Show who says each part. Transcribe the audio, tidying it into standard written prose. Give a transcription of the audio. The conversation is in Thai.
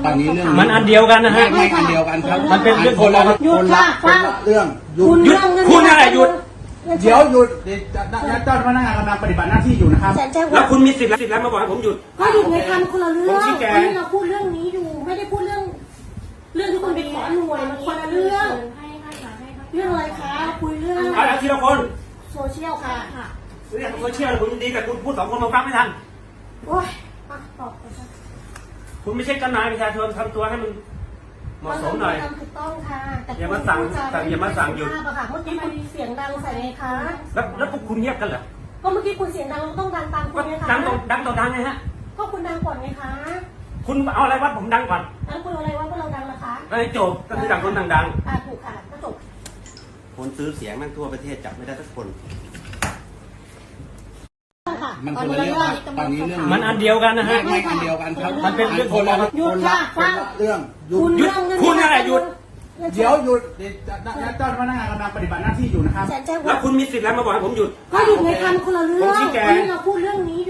Speaker 1: ตอนนี้เรื่อง
Speaker 2: มันอันเดียวกันนะฮะ
Speaker 1: ไม่อันเดียวกันครับ
Speaker 2: มันเป็นเรื่อง
Speaker 1: คนละ
Speaker 3: หยุดค่ะ
Speaker 1: คนละเรื่องหยุด
Speaker 2: หยุดคุณอะไรหยุด
Speaker 1: เดี๋ยวหยุดเจ้าพนักงานกำลังปฏิบัติหน้าที่อยู่นะครับ
Speaker 3: แจ้ง
Speaker 2: แล้ว
Speaker 3: ว่า
Speaker 2: คุณมีสิทธิ์แล้วมาบอกให้ผมหยุด
Speaker 3: ก็หยุดในคำคนละเรื่อง
Speaker 2: ผมชี้แจง
Speaker 3: วันนี้เราพูดเรื่องนี้อยู่ไม่ได้พูดเรื่องที่คุณไปขอหน่วยมันคนละเรื่อง เรื่องอะไรคะคุยเรื่อง
Speaker 2: เอาทีละคน
Speaker 3: โซเชียลค่ะ
Speaker 2: เรื่องโซเชียลผมยินดีกับคุณพูดสองคนมาฟังไม่ทัน
Speaker 3: โอ้ยอ่ะตอบก่อนค่ะ
Speaker 2: คุณไม่ใช่เจ้านายประชาชนทำตัวให้มันเหมาะสมหน่อย
Speaker 3: ทำถูกต้องค่ะแต่
Speaker 2: อย่ามาสั่งอย่ามาสั่งหยุด
Speaker 3: เมื่อกี้คุณเสียงดังใส่ไงคะ
Speaker 2: แล้วพวกคุณเงียบกันเหรอ
Speaker 3: ก็เมื่อกี้คุณเสียงดังเราต้องดังตามคุ
Speaker 2: ก็
Speaker 3: ณไงคะ
Speaker 2: ดังต่อดังไงฮะ
Speaker 3: ก็คุณดังก่อนไงคะ
Speaker 2: คุณเอาอะไรวัดผมดังก่อน
Speaker 3: แล้วคุณเอาอะไรว่าเราดังนะคะ
Speaker 2: แล้วไอ้โจบก็คือดังคนดัง
Speaker 3: ถูกค่ะก็จบ
Speaker 4: คนซื้อเสียงแม่งทั่วประเทศจับไม่ได้สักคน
Speaker 3: ค่ะ
Speaker 1: มันคนละเรื่องตอนนี้เรื่อง
Speaker 2: ๆมันอันเดียวกันนะฮะ
Speaker 1: ไม่อันเดียวกันครับ
Speaker 2: มันเป็นเรื่อง
Speaker 1: คนละ
Speaker 3: หยุดค่ะ
Speaker 1: คนละเรื่องหยุด
Speaker 2: หยุดคุณอะไรหยุด
Speaker 1: เดี๋ยวหยุดเจ้าพนักงานกำลังปฏิบัติหน้าที่อยู่นะครับ
Speaker 3: แจ้ง
Speaker 2: แล้ว
Speaker 3: ว่า
Speaker 2: คุณมีสิทธิ์แล้วมาบอกให้ผมหยุด
Speaker 3: ก็หยุดในคำคนละเรื่อง
Speaker 2: ผมชี้แจง
Speaker 3: วันนี้เราพูดเรื่องนี้